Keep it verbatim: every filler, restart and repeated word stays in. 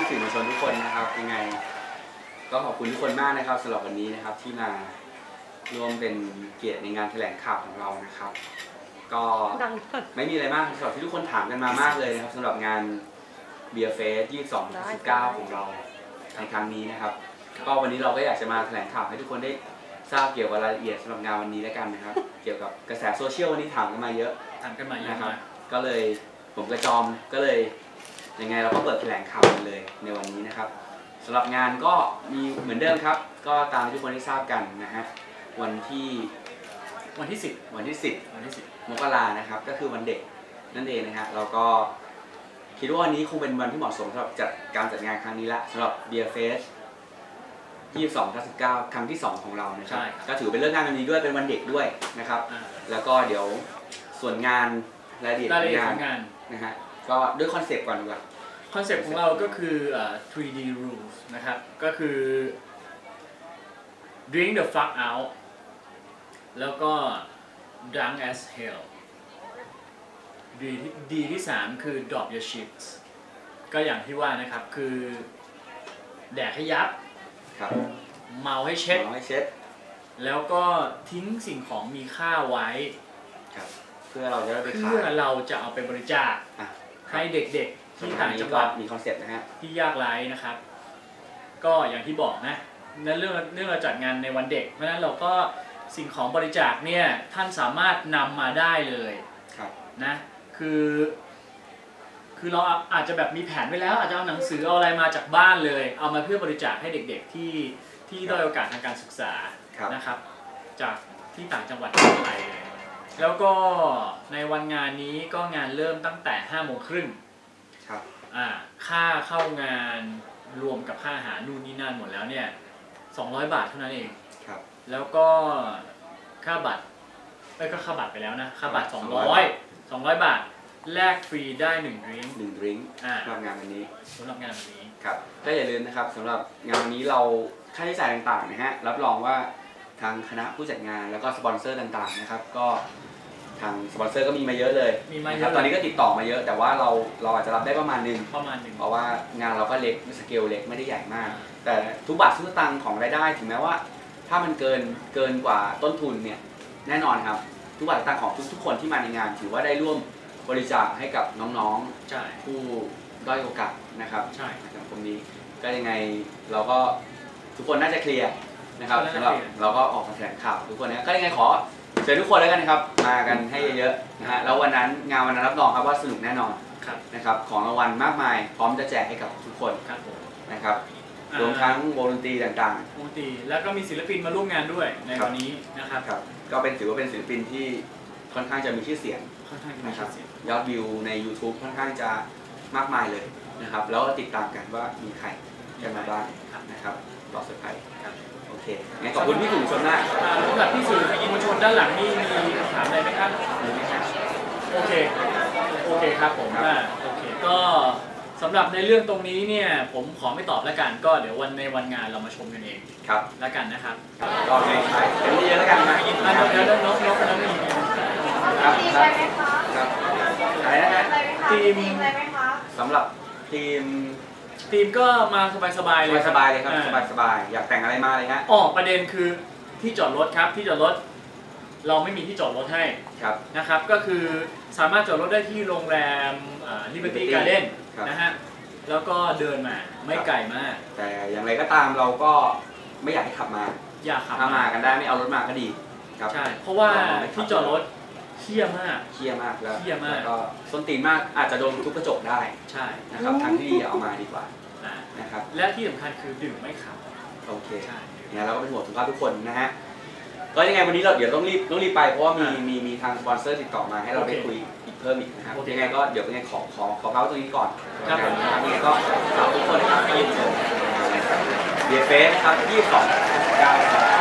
สื่อมวลชนทุกคนนะครับยังไงก็ขอบคุณทุกคนมากนะครับสำหรับวันนี้นะครับที่มาร่วมเป็นเกียรติในงานแถลงข่าวของเรานะครับก็ไม่มีอะไรมากสำหรับที่ทุกคนถามกันมามากเลยนะครับสำหรับงานเบียร์เฟสยี่สิบสองถึงสิบเก้าของเราในครั้งนี้นะครับก็วันนี้เราก็อยากจะมาแถลงข่าวให้ทุกคนได้ทราบเกี่ยวกับรายละเอียดสำหรับงานวันนี้แล้วกันนะครับเกี่ยวกับกระแสโซเชียลวันนี้ถามกันมาเยอะถามกันมาเยอะนะครับก็เลยผมกระจอมก็เลยยังไงเราก็เปิดแถลงข่าวกันเลยในวันนี้นะครับสำหรับงานก็มีเหมือนเดิมครับก็ตามที่ทุกคนได้ทราบกันนะฮะวันที่วันที่สิบวันที่สิบวันที่สิบมกรานะครับก็คือวันเด็กนั่นเองนะฮะเราก็คิดว่าวันนี้คงเป็นวันที่เหมาะสมสำหรับจัดการจัดงานครั้งนี้ละสำหรับ Beer Fest ยี่สิบสองถึงสิบเก้าครั้งที่สองของเรานะครับก็ถือเป็นเรื่องงานวันนี้ด้วยเป็นวันเด็กด้วยนะครับแล้วก็เดี๋ยวส่วนงานรายละเอียดของงานนะฮะก็ด้วยคอนเซปต์ก่อนดีกว่าคอนเซปต์ของเราก็คือ ทรี ดี rules นะครับก็คือ drink the fuck out แล้วก็ drunk as hell ดีที่ดีที่สามคือ drop your shits ก็อย่างที่ว่านะครับคือแดกให้ยับเมาให้เช็ดเมาให้เช็ดแล้วก็ทิ้งสิ่งของมีค่าไว้เพื่อเราจะได้ไปขายเพื่อเราจะเอาไปบริจาคให้เด็กๆที่ต่างจังหวัดมีคอนเซ็ปต์นะฮะที่ยากไร้นะครับก็อย่างที่บอกนะในเรื่องเรื่องเราจัดงานในวันเด็กเพราะฉะนั้นเราก็สิ่งของบริจาคเนี่ยท่านสามารถนำมาได้เลยนะคือคือเราอาจจะแบบมีแผนไว้แล้วอาจจะเอาหนังสือเอาอะไรมาจากบ้านเลยเอามาเพื่อบริจาคให้เด็กๆที่ที่ด้อยโอกาสทางการศึกษานะครับจากที่ต่างจังหวัดทั่วไปเลยแล้วก็ในวันงานนี้ก็งานเริ่มตั้งแต่ห้าโมงครึ่งครับอ่าค่าเข้างานรวมกับค่าอาหารนู่นนี่นั่นหมดแล้วเนี่ยสองร้อยบาทเท่านั้นเองครับแล้วก็ค่าบัตรไม่ก็ค่าบัตรไปแล้วนะค่าบัตรสองร้อยสองร้อยบาทแลกฟรีได้หนึ่งดริงก์หนึ่งดริงก์สำหรับงานวันนี้สำหรับงานวันนี้ครับก็อย่าลืมนะครับสำหรับงานวันนี้เราค่าใช้จ่ายต่างๆนะฮะรับรองว่าทางคณะผู้จัดงานแล้วก็สปอนเซอร์ต่างๆนะครับก็ทางสปอนเซอร์ก็มีมาเยอะเลยมีมาเยอะตอนนี้ก็ติดต่อมาเยอะแต่ว่าเราเราอาจจะรับได้ประมาณนึงประมาณนึงเพราะว่างานเราก็เล็กสเกลเล็กไม่ได้ใหญ่มากแต่ทุกบาททุกสตางค์ของรายได้ถึงแม้ว่าถ้ามันเกินเกินกว่าต้นทุนเนี่ยแน่นอนครับทุกบาททุกสตางค์ของทุกๆคนที่มาในงานถือว่าได้ร่วมบริจาคให้กับน้องๆผู้ด้อยโอกาสนะครับใช่ในสังคมนี้ก็ยังไงเราก็ทุกคนน่าจะเคลียร์นะครับสำหรับเราก็ออกมาแถลงข่าวทุกคนนะก็ยังไงขอเชิญทุกคนแล้วกันนะครับมากันให้เยอะๆนะฮะแล้ววันนั้นงานวันนั้นรับรองครับว่าสนุกแน่นอนนะครับของรางวัลมากมายพร้อมจะแจกให้กับทุกคนนะครับรวมทั้งวงดนตรีต่างๆวงดนตรีแล้วก็มีศิลปินมาร่วมงานด้วยในวันนี้นะครับก็เป็นถือว่าเป็นศิลปินที่ค่อนข้างจะมีชื่อเสียงนะครับยอดวิวใน ยูทูบ ค่อนข้างจะมากมายเลยนะครับแล้วติดตามกันว่ามีใครจะมาบ้างนะครับต่อสุดท้ายโอเคงั้นขอบคุณพี่สื่อมวลชนมากสำหรับพี่สื่อมวลชนด้านหลังนี่มีคำถามอะไรไหมครับโอเคโอเคครับผมโอเคก็สำหรับในเรื่องตรงนี้เนี่ยผมขอไม่ตอบแล้วกันก็เดี๋ยววันในวันงานเรามาชมกันเองครับแล้วกันนะครับก็ในใช้เป็นเยอะแล้วกันนะเดี๋ยวเดี๋ยวน้องน้องน้องมีครับครับครับอะไรนะฮะทีมสำหรับทีมทีมก็มาสบายๆเลยสบายๆเลยครับสบายๆอยากแต่งอะไรมาเลยฮะอ๋อประเด็นคือที่จอดรถครับที่จอดรถเราไม่มีที่จอดรถให้นะครับก็คือสามารถจอดรถได้ที่โรงแรม Liberty Garden นะฮะแล้วก็เดินมาไม่ไกลมากแต่อย่างไรก็ตามเราก็ไม่อยากให้ขับมาอยากขับมากันได้ไม่เอารถมาก็ดีครับใช่เพราะว่าที่จอดรถเขี้ยมากเขี้ยมากแล้วเขี้ยมากก็ส้นตีนมากอาจจะโดนทุบกระจกได้ใช่นะครับทางที่ดีเอามาดีกว่านะครับและที่สำคัญคือดื่มไม่ขับโอเคเนี่ยเราก็เป็นห่วงสุขภาพทุกคนนะฮะก็ยังไงวันนี้เราเดี๋ยวต้องรีบต้องรีบไปเพราะว่ามีมีมีทางสปอนเซอร์ติดต่อมาให้เราได้คุยอีกเพิ่มอีกนะครับยังไงก็เดี๋ยวยังไงขอขอขอเล่าตรงนี้ก่อนครับยังไงก็ฝากทุกคนนะครับไปยินเจอเบียร์เฟสนะครับยี่สิบสอง สิบเก้า